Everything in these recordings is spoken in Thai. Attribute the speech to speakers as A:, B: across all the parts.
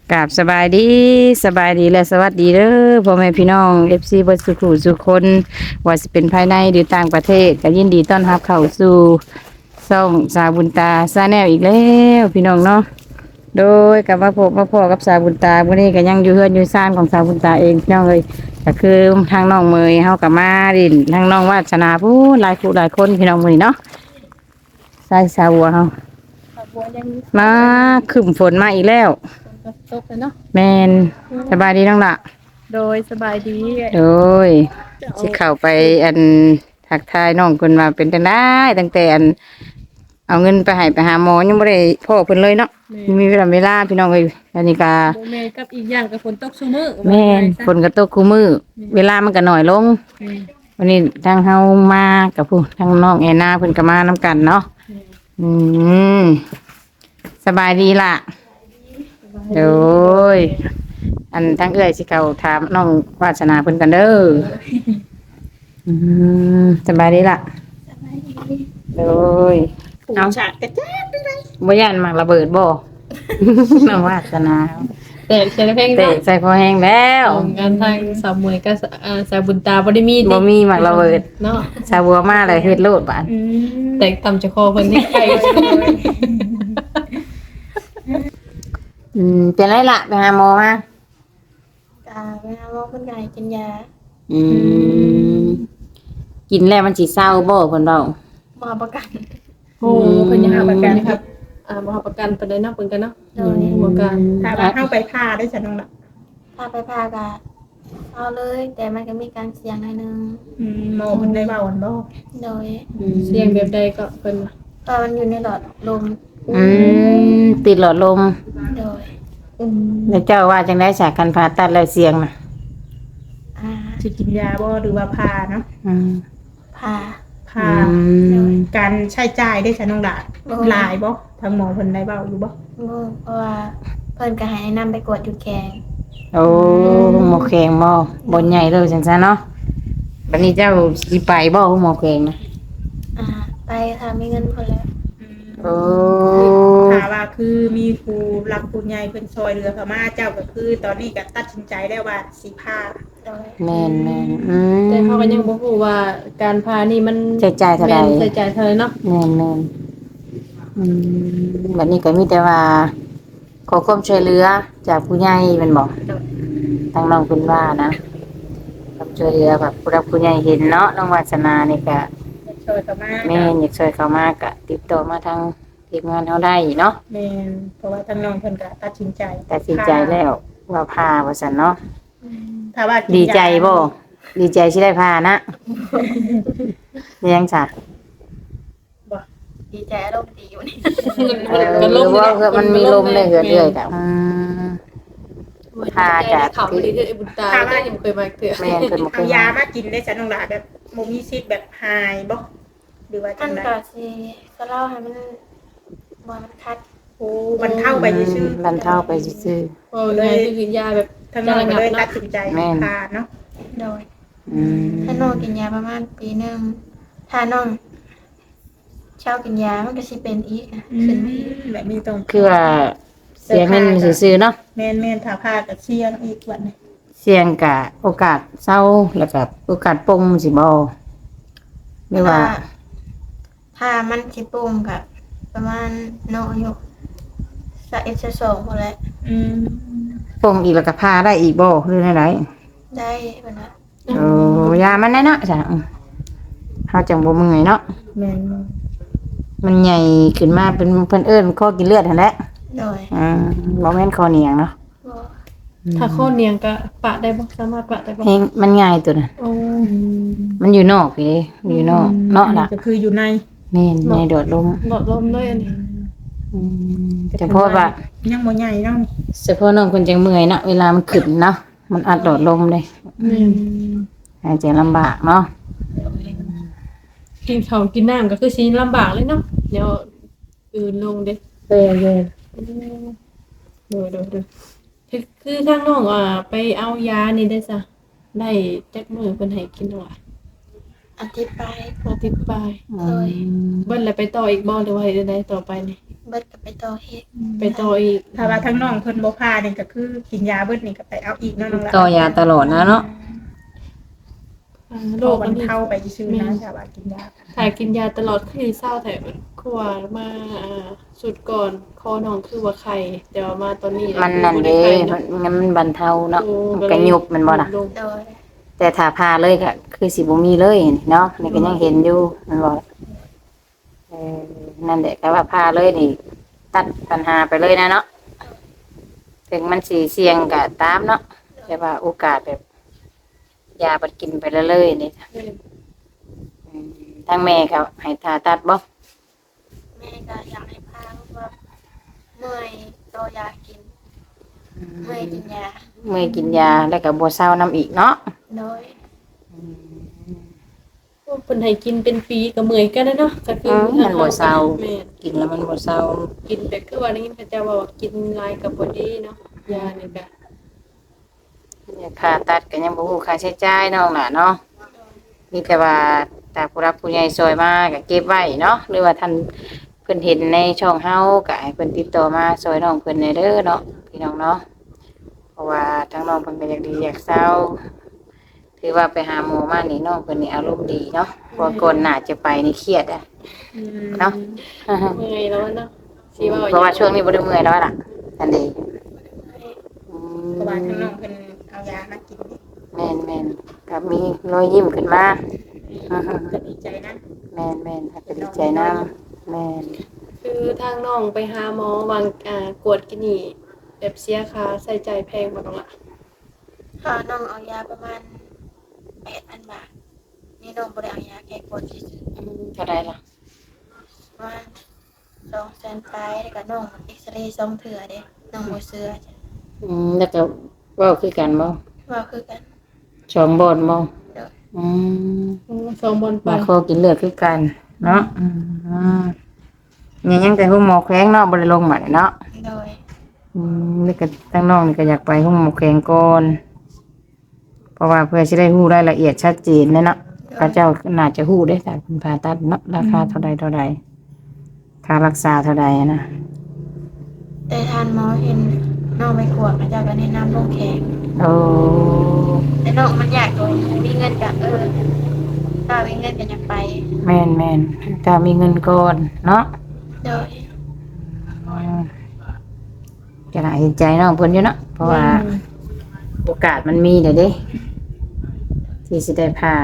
A: กราบสบายดีและสวัสดีเด้อพ่อแม่พี่น้อง FC เบิดสุขุสุขคนว่าสิเป็นภายในหรือต่างประเทศก็ยินดีต้อนรับเข้าสู่ช่องสาวบุญตาซาแนลอีกแล้วพี่น้องเนาะโดยกับมาพบมาพ่อกับสาวบุญตาวันนี้ก็ยังอยู่เฮือนอยู่ซ่านของสาวบุญตาเองพี่น้องเลยก็คือทางน้องเมยเฮากับมาดินทางน้องวาสนาผู้หลายผู้หลายคนพี่น้องมื้อนี้เนาะใส่สาวบัวเฮา
B: บัวยังมี
A: มาขึ้นฝนมาอีกแล้ว
B: ฝนตกเลยเนาะ
A: แมนสบายดีน้องละ
B: โดยสบายดี
A: โดยสิเข้าไปอันทักทายน้องคนมาเป็นจังได้ตั้งแต่อันเอาเงินไปให้ไปหาหมอยังไม่ได้พ่อเพิ่นเลยเนาะมีเวลาพี่น้องเอ้ยอันนี้ก็
B: โบแม่กับอีกอย่างกับฝนตกซุมื้อ
A: แม่นฝนก็ตกคู่มือเวลามันก็น้อยลงวันนี้ทางเฮามากับผู้ทางน้องแอนนาเพิ่นก็มานํกันเนาะอืมสบายดีล่ะโดยอันทั้งเอื้อยสิเขาถามน้องวาสนาเพิ่นกันเด้อสบายดีล่ะโดย
B: เอาฉากกระแจ๊ดได้
A: บ่ย่านมักระเบิดบ่ น้องวาสนา
B: แต่ใส่เพลง
A: เตะใส่พอแห้งแล้ว
B: งานทางสาวมวยก็สาวบุญตาบ่ได้มี
A: บ่มีมักระเบิด
B: เนาะ
A: สาวบัวมาเลยเฮ็ดโลดบาด
B: แต่ต่ำจะคอเพิ่นนี่ไกล
A: เป็นไรล่ะไปหาหมอมา
C: ไปหาหมอคนไข้กินยา
A: อืมกินแล้วมันสิเศร้าบ่เพิ่นเว้า
C: หมอประกัน
B: โอ้เพิ่นยังหาประกันครับบ่หาประกันปานใดเนาะเพิ่นกันเนาะประกัน
D: ถ้าว่าเฮาไปผ่าได้ฉันน้องล่ะ
C: ถ้าไปผ่าก็เอาเลยแต่มันก็มีการเสี่ยงหน่อยนึง
D: หมอเพิ่นได้เว้าอันบ่
C: โดย
B: เสี่ยงแบบใดก็เพิ่น
C: ตอนมันอยู่ในหลอดลม
A: ติดหลอดลม
C: โดย
A: แล้วเจ้าว่าจังได๋จากการผ่าตัดแล้วเสี่ยงน่ะ
D: สิกินยาบ่หรือว่าผ่าเนาะ
C: ผ่า
D: การใช้จ่ายได้ฉันน้องล่ะหลายบ่ทางหมอเพิ่นได้เว้าอยู่บ่
C: เพราะว่าเพิ่นก็ให้แนะนำไปกวดอยู่แขง
A: โอ้หมอแข็งบ่ใหญ่เลยจังซั่นเนาะบัดนี้เจ้าสิไปบ่หมอแข็งนะ
C: ไปค่ะมีเงินพอแล้ว
A: โอ้
D: ถ้าว่าคือมีครูรักผู้ใหญ่เพิ่นซอยเหลือเข้ามาเจ้าก็คือตอนนี้ก็ตัดสินใจได้ว่าสิผ่า
A: แม่น
B: แต่เขาก็ยังบ่ฮู้ว่าการพานี่มัน
A: ใช้จ่ายเท่าใด
B: ใช้จ่ายเท่าไหร่เนาะ
A: แม่นบัดนี้ก็มีแต่ว่าขอความช่วยเหลือจากผู้ใหญ่แม่นบ่ทางน้องเพิ่นว่านะความช่วยเหลือแบบผู้รักผู้ใหญ่เห็นเนาะน้องวาสนานี่ก็
D: ช่วยเข้ามา
A: แม่อยากช่วยเข้ามาก็ติดต่อมาทางทีมงานเฮาได้เนาะ
D: แม่นเพราะว่าทางน้องเพิ่นก็ตัดสินใจ
A: แล้วว่าพาว่าซั่นเนาะ
D: ถ้าว่า
A: ดีใจบ่ดีใจสิได้พานะยังจ้ะ
C: บ่ดีใจอารมณ์ดีอยู่นี่
A: ว่ามันมีลมเลยเหือดเลยจ้ะพาจาก
B: เขาดีเด้อบุญตาได้ยังเคยมาเถื่อ
A: แม่เพิ่นบ่เค
D: ยยามากินได้ฉันน้องล่ะแบบบ่มีสิทธิ์แบบหายบ่หรือว่าจังได๋
C: ก็สิก็เล่าให้มันบ่มันคัด
D: โอ้มันเท่าไปซื่อ
A: มันเท่าไปซื่อ
B: โอ้เลยคือยาแบบ
D: ทางน้องก็เลยตัดสินใจพาเนาะ
C: โดยถ้าน้องกินยาประมาณปีนึงถ้าน้องเช้ากินยามันก็สิเป็นอีกขึ้นมาอีก
D: แบบนี้ต้อง
A: คือว่าเสียงมันซื่อๆเนาะ
D: แม่นๆถ้าพาก็เสี่ยงอีกบัดนี้
A: เสี่ยงกะโอกาสเศร้าแล้วก็โอกาสปงสิบ่ไม่ว่า
C: ถ้ามันสิปงก็ประมาณน้องอายุ21-22พอแล้ว
A: ปงอีกแล้วก็พาได้อีกบ่หรือได
C: ได้บัดนั้น
A: โอ้ยามันแน่เนาะจ้ะเฮาจังบ่เมื่อยเนาะ
D: แม่น
A: มันใหญ่ขึ้นมาเป็นเพิ่นเอิ้นข้อกินเลือดหั่นแหละ
C: โดย
A: บ่แม่นคอเหนียงเนาะ
B: ถ้าข้อเนียงก็ปะได้บ่สามารถปะได้บ่
A: มันง่ายตัวน่ะมันอยู่นอกพี่อยู่นอกเนาะล่ะ
D: ก็คืออยู่ใน
A: แม่นในโดดลม
B: เลยอันนี้
A: เฉพาะว่า
D: ยังบ่ใหญ่เนาะ
A: เฉพาะน้องเพิ่นจังเมื่อยเนาะเวลามันขึ้นเนาะมันอัดโดดลมเลยหายใจลำบากเนาะ
B: กินข้าวกินน้ำก็คือสิลำบากเลยเนาะเดี๋ยวอื่นลงเด้ดูคือทางน้องไปเอายานี่ได้ซะได้จักมื้อเพิ่นให้กินว่า
C: อาทิตย์ไป
B: เบิ่นแล้วไปต่ออีกบ่หรือว่าเฮ็ดได้ต่อไปนี่
C: เบิดก็ไปต่อเฮ็ด
B: ไปต่ออีก
D: ถ้าว่าทั้งน้องเพิ่นบ่พานี่ก็คือกินยาเบิดนี่ก็ไปเอาอีกเนาะน้องละ
A: ต่อยาตลอดนะเนาะ
B: โร
D: โร
B: ค
D: ค
B: มั
D: มัน น
B: เข้า
D: เข้าไปซื่อๆนะถ้าว่ากินยา
B: ถ่ายกินยาตลอดคือเศร้าแต่ขวามาสุดก่อนคอน้องคือว่าไข่แต่ว่ามาตอนนี้
A: มันนั่นเด้มันบรรเทาเนาะกระยุบมันบ่ล่ะ
C: โดย
A: แต่ถ้าพาเลยก็คือสิบ่มีเลยเนาะนี่ก็ยังเห็นอยู่มันบ่นั่นแหละก็ว่าพาเลยนี่ ตัดปัญหาไปเลยนะเนาะถึงมันสิเสี่ยงก็ตามเนาะแต่ว่าโอกาสแบบยาบัดกินไปเรื่อยๆนี่ทางแม่ก็ให้ผ่าตัดบ่
C: แม่ก็อยากให้พาเพราะว่าเมื่อยต่อยากินเมื่อยกินยา
A: เมื่อยกินยาแล้วก็บ่เศร้านํอีกเนาะ
C: โดย
B: เพิ่นให้กินเป็นปีก็เมื่อยกันนะเนาะก็คือ
A: มันบ่เศร้า
B: แม่
A: กินแล้วมันบ่เศร้า
B: กินแต่คือว่านี้เขาจะว่ากินลายกับบ่ดีเนาะยานี่ก็
A: ค่าตัดก็ยังบ่ฮู้ค่าใช้จ่ายน้องล่ะเนาะมีแต่ว่าถ้าผู้รับผู้ใหญ่ซอยมาก็เก็บไว้เนาะหรือว่าท่านเพิ่นเห็นในช่องเฮาก็ให้เพิ่นติดต่อมาซอยน้องเพิ่นได้เด้อเนาะพี่น้องเนาะเพราะว่าทั้งน้องเพิ่นก็อยากดีอยากเศร้าถือว่าไปหาหมอมานี่น้องเพิ่นนี่อารมณ์ดีเนาะเพราะก่อนหน้าจะไปนี่เครียดอ่ะเนาะ
B: เมื่อยแล้วเนาะสิว่า
A: เพราะว่าช่วงนี้บ่ได้เมื่อยแล้วล่ะอันนี้
D: เพราะว่าทั้งน้องเพิ่นเอายามากินนี่
A: แม่นแม่นก็มีรอยยิ้มขึ้นมา
D: ก็ดีใจนะ
A: แม่นแม่นก็ดีใจนำแม่น
B: คือทางน้องไปหาหมอวางกวดกินนี่แบบเสียค่าใส่ใจายแพงบ่น้องล่ะ
C: พาน้องเอายาประมาณ 8,000 บาทนี่น้องบ่ได้เอายาแก้ปวดซื่อ
A: เท่าใดล่ะ
C: ๆประมาณ200,000ปลายแล้วก็น้องเอ็กซเรย์2เทื่อเด้น้องบ่เชื่อจ้ะ
A: แล้วก็เว้าคือกันบ่
C: ว่าคือกัน
A: สองบ่อนบ่
C: เด้อ
A: อืม
B: สองบอลไป
A: มาขอกินเลือดคือกันเนาะยังแต่ห้องหมอแข้งเนาะบ่ได้ลงมาเนาะ
C: โดย
A: นี่ก็ทั้งน้องนี่ก็อยากไปห้องหมอแข้งก่อนเพราะว่าเพื่อสิได้ฮู้รายละเอียดชัดเจนเนาะพระเจ้าน่าจะฮู้ได้แต่คุณผ่าตัดเนาะราคาเท่าใดค่ารักษาเท่าใดนะ
C: แต่ทานหมอเห็นน้องไปกวดพระเจ้าก็แนะนำลงแขก
A: โอ้
C: แต่น้องมันอยากโดนมีเงินก็ถ้ามีเงินก็อยากไป
A: แม่นถ้ามีเงินก่อนเนาะ
C: โดย
A: จะน่าเห็นใจน้องเพิ่นอยู่เนาะเพราะว่าโอกาสมันมีเด้เด้ที่สิได้พา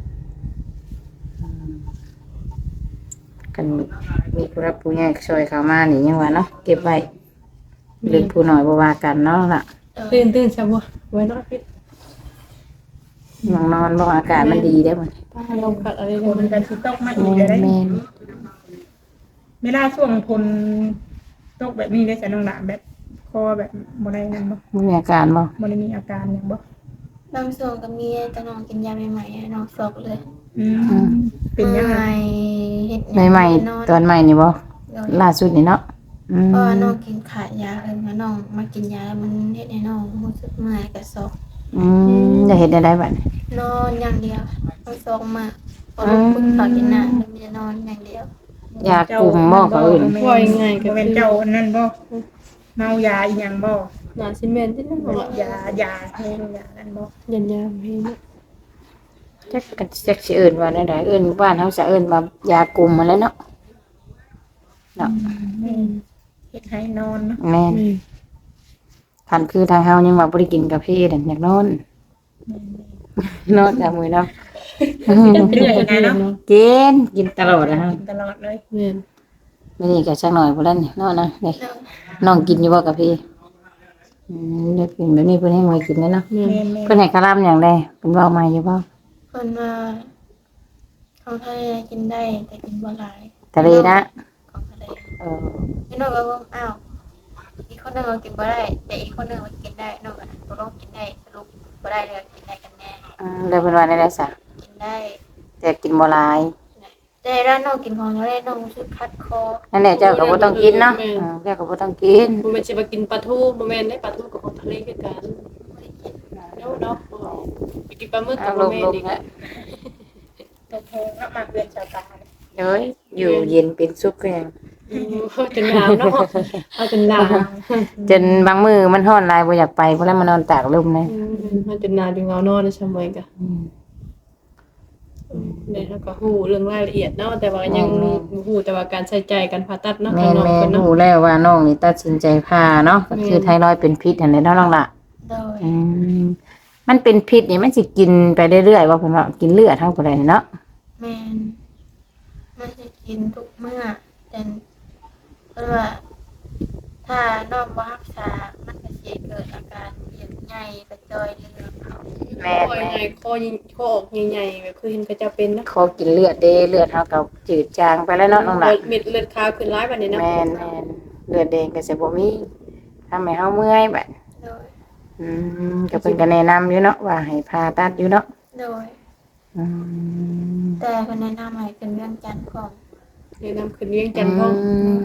A: กันมีผู้รับผู้ใหญ่ช่วยเขามานี่ยังว่าเนาะเก็บไว้เล็กผู้น้อยบ่ว่ากันเนาะล่ะ
C: โดย
B: ตื่นซะบ่ไว้เนาะพี่
A: ยังนอนบ่อากาศมันดีได้อบ่
B: ป้าลงขัดอะไร
D: ฝ
B: เนี่ย
D: นกันสิตกมาอีกก็ได้
A: แม่น
D: เวลาช่วงฝนตกแบบนี้ได้จะน้องหลานแบบคอแบบบ่ได้นั่นบ่
A: มีอาการบ่
D: บ่ได้มีอาการหยังบ่
C: บางส่วนก็มีแต่น้องกินยาใหม่ๆให้น้องซอกเลย
D: เป็นยังไง
C: เฮ็ด
A: ใหม่ๆตอนใหม่นี่บ่
C: โดย
A: ล่าสุดนี่เนาะอืม
C: เพราะว่าน้องกินขาดยาเพิ่นว่าน้องมากินยาแล้วมันเฮ็ดให้น้องรู้สึกเมื่อยกับซอก
A: จะเฮ็ดได้บัดนี้
C: นอนอย่างเดียวต้องซอกมากพอลูกพึ่งเขากินน้ำแล้วมันจะนอนอย่างเดียว
A: ยากลุ่มบ่เขาอื่น
B: ว่ายังไงก็
D: บ่เป็นเจ้าอันนั้นบ่เมายาอีหยังบ่
B: หนาซีเมนต์ที่นั่นบ่ล่ะ
D: ยาเฮงยานั่นบ่
B: ยันยามให้เนาะ
A: จักสิเอิ้นว่าได้เอิ้นบ้านเฮาจะเอิ้นว่ายากลุ่มมาแล้วเนาะเนาะ
D: เฮ็ดให้นอนเนาะ
A: แม่นคันคือทางเฮายังว่าบ่ได้กินกาแฟนั่นอยากนอนนอนจังมื้อเนาะ
D: เป็นเรื่อยนะเนาะ
A: กินตลอดนะฮะ
D: กินตลอดเลย
B: แม่น
A: มื้อนี้ก็สักหน่อยบ่แล้วนี่เนาะนะนี่น้องกินอยู่บ่กาแฟได้กินแบบนี้เพิ่นให้ไว้กินแล้วเนาะ
B: แม่น
D: แม่น
A: เพิ่นให้คาร่ำหยังได้เพิ่นเว้ามาอยู่บ่
C: เพิ่นว่าของทะเลกินได้แต่กินบ่หลาย
A: ทะเลนะ
C: ของทะเล
A: เออ
C: พี่น้องก็ว่าอ้าวอีกคนหนึงเรากินบ่ได้แต่อีกคนหนึงมันกินได้น้องก็ตกลงกินได้สรุปบ่ได้เลยกินได้กันแน่
A: แล้วเพิ่นว่าได้ซะ
C: กินได้
A: แต่กินบ่หลาย
C: แต่ร้านน้องกินของทะเลน้องรู้สึกคัดคอ
A: นั่นแหละเจ้าก็บ่ต้องกินเนาะเจ้าก็บ่ต้องกิน
B: บ่แม่นสิมากินปลาทูบ่แม่นได้ปลาทูกับของทะเลคือกัน
C: บ่ได้กิน
B: เนาะไปกินปลาหมึกกั
A: เอา
B: บ
A: ล
B: บ่
A: ง
B: แม่
A: ล
B: น
A: ง
B: อีก
A: แล้ว
D: ตัวแพงเนาะมาเพื่อนชาวตาเนี่ย
A: เอ้ยอยู่เย็นเป็นสุขก็ยัง
B: แเอาจนหนาวเนาะเอาจนหนาว
A: จนบางมื้อมันร้อนหลายบ่อยากไปเพราะแล้วมานอนตากลมเลย
B: เอาจนหนาวจนเหงานอนได้ชั่วโมงกะเนี่ยแล้วก็ฮู้เรื่องรายละเอียดเนาะแต่ว่ายังฮู้แต่ว่าการใช้จ่ายการผ่าตัดเนาะ
A: แม่
B: ข้างนอก
A: แม่
B: เพิ่นเนาะ
A: รู้แล้วว่าน้องนี่ตัดสินใจผ่าเนาะก็คือไทรอยด์เป็นพิษอันนี้เนาะน้องล่ะ
C: โดย
A: อืมมันเป็นพิษนี่มันสิกินไปเรื่อยๆว่าเพิ่นว่ากินเลือดเท่าบ่ได้เนาะ
C: แม่นมันจะกินทุกมื้อแต่เพราะว่าถ้าน้องบ่รักษามันก็สิเกิดอาการเวียนใหญ่กระจอยเลือดเขา
A: แม่
B: คอใหญ่คอยิงคอออกใหญ่ๆแบบคือเห็นก็จะเป็นเนาะ
A: ขอกินเลือดเด้เลือดเฮาก็จืดจางไปแล้วเนาะน้องล่ะ
B: เม็ดเลือดขาวขึ้นร้ายบัดนี้เนาะ
A: แม่นเลือดแดงก็สิบ่มีทำให้เฮาเมื่อยบัด
C: โดย
A: ก็เพิ่นก็แนะนำอยู่เนาะว่าให้ผ่าตัดอยู่เนาะ
C: โดย
A: อืม
C: แต่เพิ่นแนะนำให้เป็นเรื่องจันทร์ก่อน
B: แนะนำขึ้นเวียงจันทน์พ่อ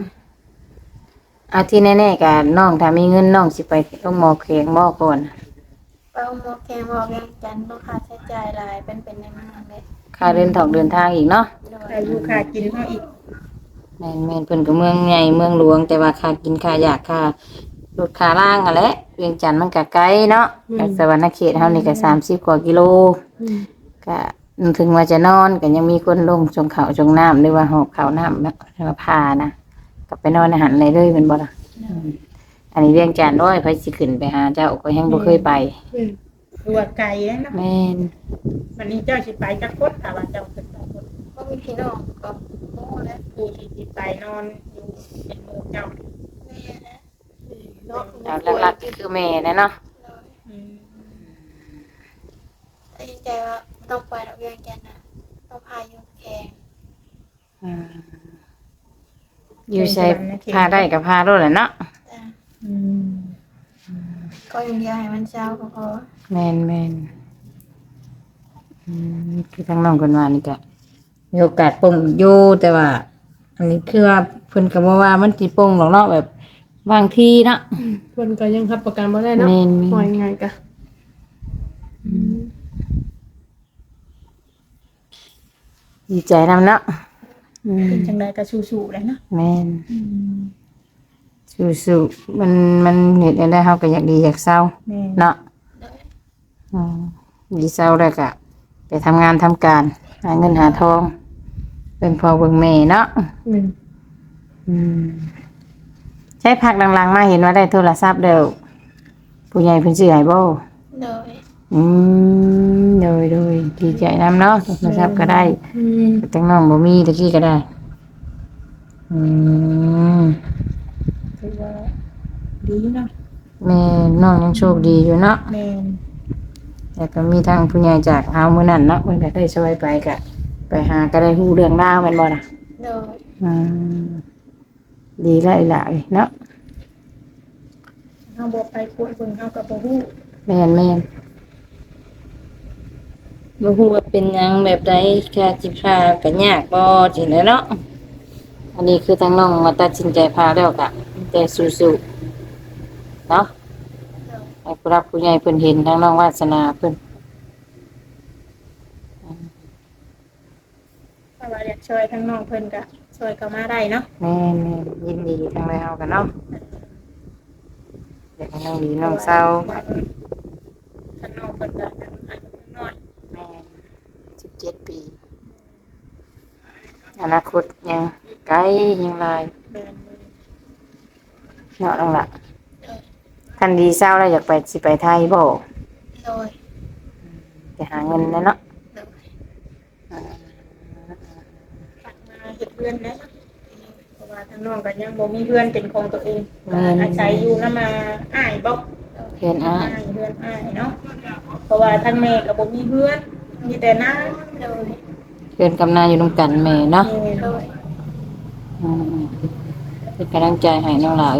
A: อาที่แน่ๆก็น้องถ้ามีเงินน้องสิไปโรงหมอแข็งบ่ก่อน
C: ไปเอาหมอแกงบอกเรื่องจันทร์ต้องค่าใช้จ่ายหลายเป็นในเมืองเลย
A: ค่าเดินทางอีกเนาะ
C: โดย
D: ค่าอยู่ค่ากินเฮาอีก
A: แม่นเพิ่นก็เมืองใหญ่เมืองหลวงแต่ว่าค่ากินค่ายาค่ารถค่าล่างอะแหละเวียงจันทน์มันก็ไกลเนาะจากสวรรณเขตเฮานี่ก็30กว่ากิโลก็ถึงว่าจะนอนก็ยังมีคนลงชงข้าวชงน้ำหรือว่าหอบข้าวน้ำเนาะหรือว่าพานะก็ไปนอนอาหารเลยแม่นบ่ล่ะอันนี้เวียงจันทน์ด้วยไผสิขึ้นไปหาเจ้าก็ยังบ่เคยไป
D: ตัวาไกลแล้วเนาะ
A: แม่น
D: วันนี้เจ้าสิไปจักคนถ้าว่าเจ้าขึ้นไปคน
C: เพราะมีพี่น้องก็โอ้และ
D: ผู้ที่สิไปนอนอยู่ในเมืองเจ้า
C: แม่นะ
B: เนาะ
A: เอาหลักๆก็คือแม่นะเนาะ
C: โดย
D: อืม
C: ตัดสินใจว่าไม่ต้องไปดอกเรื่องจันทร์นะต้องพายุแข่ง
A: อยู่ใช้พาได้กับพาโลดแหละเนาะ
C: แต่
D: อืม
C: ก็อย่างเดียวให้มันเช้าก็พอ
A: แม่นคือทางน้องคนว่านี่ก็มีโอกาสปลงอยู่แต่ว่า อันนี้คือว่าเพิ่นก็บ่ว่ามันสิปลงหรอกเนาะแบบบางทีเนาะ
B: เพิ่นก็ยังรับประกันบ่ได้เนาะ
A: แม่น
B: ว่ายังไงกะ
A: ดีใจนำเนาะ
D: เป็นจังไดก็สู้ๆเลยเนาะ
A: แม่นสู้ๆมันเฮ็ดได้เฮาก็อยากดีอยากเศร้า
D: แม่
A: เนาะ
C: โดย
A: อืมดีเศร้าแล้วก็ไปทำงานทำการหาเงินหาทองเป็นพ่อเบิ่งแม่เนาะ
B: แม่น
A: ใช้พักหลังๆมาเห็นว่าได้โทรศัพท์เด้อผู้ใหญ่เพิ่นซื้อให้บ่
C: โดย
A: โดยดีใจนำเนาะโทรศัพท์ก็ได้
B: อืม
A: แต่น้องบ่มีตะกี้ก็ได้ม
D: ถือว่าดีเนาะ
A: แม่น้องยังโชคดีอยู่เนาะ
D: แม่น
A: แต่ก็มีทางผู้ใหญ่จากเฮามื้อนั้นเนาะเพิ่นก็ได้ช่วยไปก็ไปหาก็ได้ฮู้เรื่องราวแม่นบ่ล่ะ
C: โดย
A: อืมดีหลายๆเนาะ
D: เฮาบ่ไปคุยเบิ่งเฮาก็บ่ฮู้
A: แม่นบ่ฮู้ว่าเป็นหยังแบบใดค่าสิพาก็ยากบ่จังได๋เนาะอันนี้คือทางน้องมาตัดสินใจพาแล้วก็แต่สู้ๆเนาะ
C: โดย
A: ให้ผู้รักผู้ใหญ่เพิ่นเห็นทางน้องวาสนาเพิ่น
D: ถ้าว่าอยากช่วยทั้งน้องเพิ่นก็ช่วยเข้ามาได้เนาะ
A: แม่ยินดีทางใดเฮากันเนาะอยากให้น้องดีน้องเศร้า
D: ทั้งน้องเพิ่นก็ยังอายุน้อย
A: แม่17 ปีอนาคตยังไกลยังหลาย
D: แม่น
A: เนาะน้องล่ะ
C: โดย
A: คันดีเศร้าแล้วอยากไปสิไปไทยบ่
C: โดย
A: ไปหาเงินนะเนาะ
C: โดย
D: ฝากมาเฮ็ดเพื่อนนะเพราะว่าทั้งน้องก็ยังบ่มีเพื่อนเป็นของตัวเองอาศัยอยู่นำมาอ้ายบ่
A: เพื่อนอ้าย
D: เพื่อนอ้ายเนาะเพราะว่าทั้งแม่ก็บ่มีเพื่อนมีแต่น้า
C: โดย
A: เพื่อนกำนาอยู่นำกันแม่เนาะ
D: แม่
C: โดย
A: อืมเป็นกำลังใจให้น้องหลาย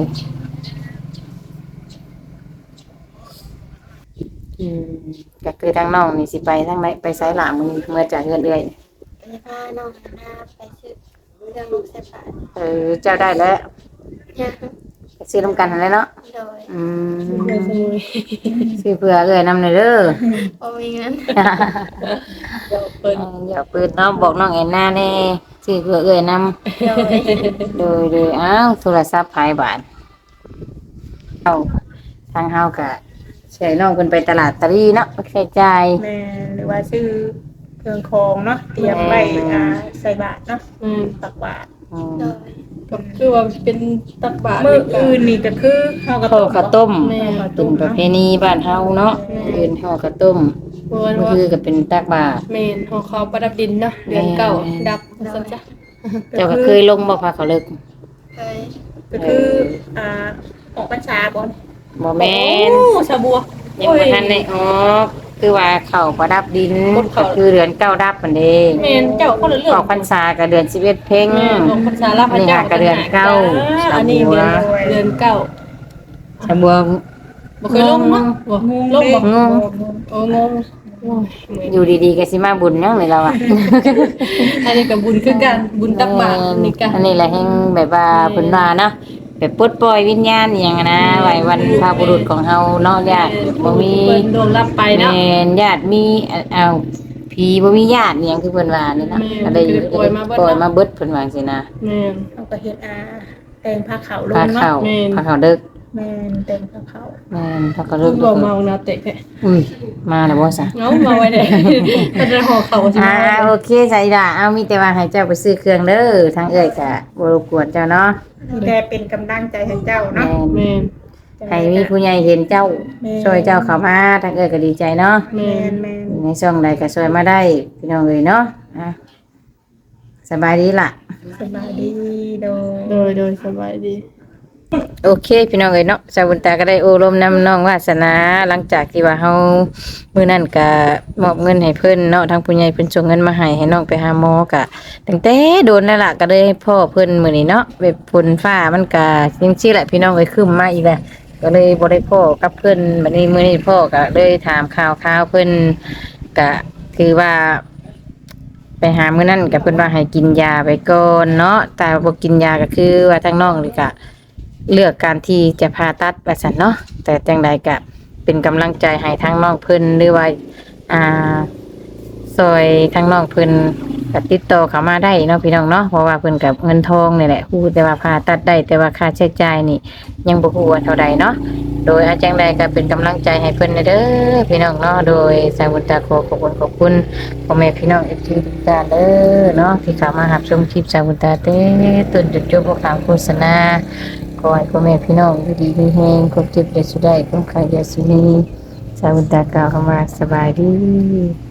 A: ก็คือทางน้องนี่สิไปทางไหนไปไสหลามือเมื่อจากเฮือนเอื้อย
C: ไปพาน้องหน้าไปซื้อเรื่องลูกเสพา
A: เจ้าได้แล้ว
C: เนี่ย
A: ไปซื้อน้ำกันนั่นแหละเนาะ
C: โดย
B: เพื่อนสมุย
A: ซื้อเพื่อเอื้อยนำหน่อยเด้อ
C: พอมีเงิน
B: เดี๋ยวเพิ่น
A: อย่าปืนเนาะบอกน้องแอนนาแน่ซื้อเพื่อเอื้อยนำ
C: โดย
A: โดยอ้าวโทรศัพท์ภายบาทเอาทางเฮาก็ใช้น้องเพิ่นไปตลาดตะลีเนาะใช้จ่าย
D: แม่หรือว่าซื้อเครื่องของเนาะเตรียมไว้ใส่บาตรเนาะ ตักบาตร
A: อืม
C: โดย
B: ก็คือว่าเป็นตักบาตร
D: มื้ออื่นนี่ก็คือข้าวกระ
A: ข้าว
D: ต้ม
A: ข้าวต้ม
B: แม่
D: ข้าว
A: เป็
D: ต้
A: น
D: ม
A: ประ
D: เนาะ
A: เพณีบ้านเฮาเนาะอื่นข้าวข้าวต้ม
B: เพราะว่า
A: ก็คือก็เป็นตักบาตร
B: เมนของเขาประดับดินเนาะเดือนเก่าดับซั่นจ้ะ
A: เจ้าก็เคยลงบ่พาเขาเลิก
C: เคย
D: ก็คือออกพรรษาบ่
A: บ่แม่น
B: โอ้ชาบัว
A: ยังบ่ทันได้ออกคือว่าเข้าประดับดินก็คือเดือนเก้าดับมันเด้
B: เมนเจ้าคนละเรื่อ
A: อง อกพรรษาก็เดือน11เพ็ง
B: แม่ของพรรษาลาพระเจ้า
A: นี่หากระเดือนเก้า
B: อันนี้เดือนเก้า
A: ชะบัว
B: บ่เคยลงเนาะบ่
D: งง
B: ลงบ่
A: งง
B: โอ้งงโอ้ย
A: อยู่ดีๆก็สิมาบุญยังเลยเราอ่ะ
B: อันนี้ก็บุญคือกันบุญตักบาตรนี่กัน
A: อันนี้แหละแห่งแบบว่าเพิ่นว่าเนาะแบบปลดปล่อยวิญญาณอหย่างอะนะไว้วันพระบุรุษของเฮาเนาะญาติบ่มี
B: เพิ่นดวงรับไปเนาะ
A: แม่นญาติมีเอาผีบ่มีญาติอหยังคือเพิ่นว่านี่นะ
B: แม่น
A: ก็ได้
B: ก็เลยปล่อยมาเบิด
A: ปล่อยมาเบิดเพิ่นว่าจังซี่นะ
B: แม่น
D: เขาก็เฮ็ดแต่งผ้าขาวล
A: พาง เข้า
D: เนาะ
B: แม่น
A: พาเข้าเด้อ
D: แม่นแต่งผ้าขาว
A: แม่นพาเข้า
B: คุ
A: เด้อ
B: ณบ่เมานาเตะแท้
A: อุ้ยมาแล้วบ่ซะ
B: เงามาไว้ได้เพิ่นจะห่อเขาสิ
A: โอเคใจด่าเอามีแต่ว่าให้เจ้าไปซื้อเครื่องเด้อทางเอ้ยก็บ่รบกวนเจ้าเนาะ
D: แต่เป็นกำลังใจให้เจ้า
A: แม่
D: เนาะ
A: น
B: แม่น
A: ให้มีผู้ใหญ่เห็นเจ้า
D: แม่
A: ช่วยเจ้าเข้ามาทางเอ้ยก็ดีใจเนาะ
B: แม่
D: แม่
B: น
D: นแม่น
A: ในช่องใดก็ช่วยมาได้พี่น้องเอ้ยเนาะอ่ะสบายดีล่ะ
D: สบายดีโด
B: โดยสบายดี
A: โอเคพี่น้องเอ้ยเนาะสาวบุญตาก็ได้โอรมนำน้องวาสนาหลังจากที่ว่าเฮามื้อนั้นก็มอบเงินให้เพิ่นเนาะทางผู้ใหญ่เพิ่นส่งเงินมาให้น้องไปหาหมอก็ตั้งแต่โดนนั่นล่ะก็เลยให้พ่อเพิ่นมื้อนี้เนาะแบบฝนฟ้ามันก็จังซี่แหละพี่น้องเอ้ยครึ้มมาอีกแล้วก็เลยบ่ได้พ้อกับเพิ่นบัดนี้มื้อนี้พ่อก็เลยถามข่าวเพิ่นก็คือว่า ไปหามื้อนั้นก็เพิ่นว่าให้กินยาไปก่อนเนาะแต่บ่กินยาก็คือว่าทางน้องนี่ก็ เลือกการที่จะผ่าตัดว่าซั่นเนาะแต่จังใดก็เป็นกำลังใจให้ทางน้องเพิ่นหรือว่าอ่าซอยทางน้องเพิ่นก็ติดต่อเข้ามาได้เนาะพี่น้องเนาะเพราะว่าเพิ่นกับเงินทองนี่แหละฮู้แต่ว่าผ่าตัดได้แต่ว่าค่าใช้จ่ายนี่ยังบ่ฮู้ว่าเท่าใดเนาะโดยอาจังใดก็เป็นกำลังใจให้เพิ่นเด้อพี่น้องเนาะโดยสายบุญตาขอขอบคุณพ่อแม่พี่น้อง FC ทุกท่านเด้อเนาะที่เข้ามารับชมคลิปสายบุญตาเต้ต้นจนจบบ่ขามโฆษณา ขอให้พ่อแม่พี่น้องอยู่ดีมีแฮงครบเจ็บได้สุดได้คุ้มค่าอย่าสุนีสาวุตากล่าวเข้ามาสบายดี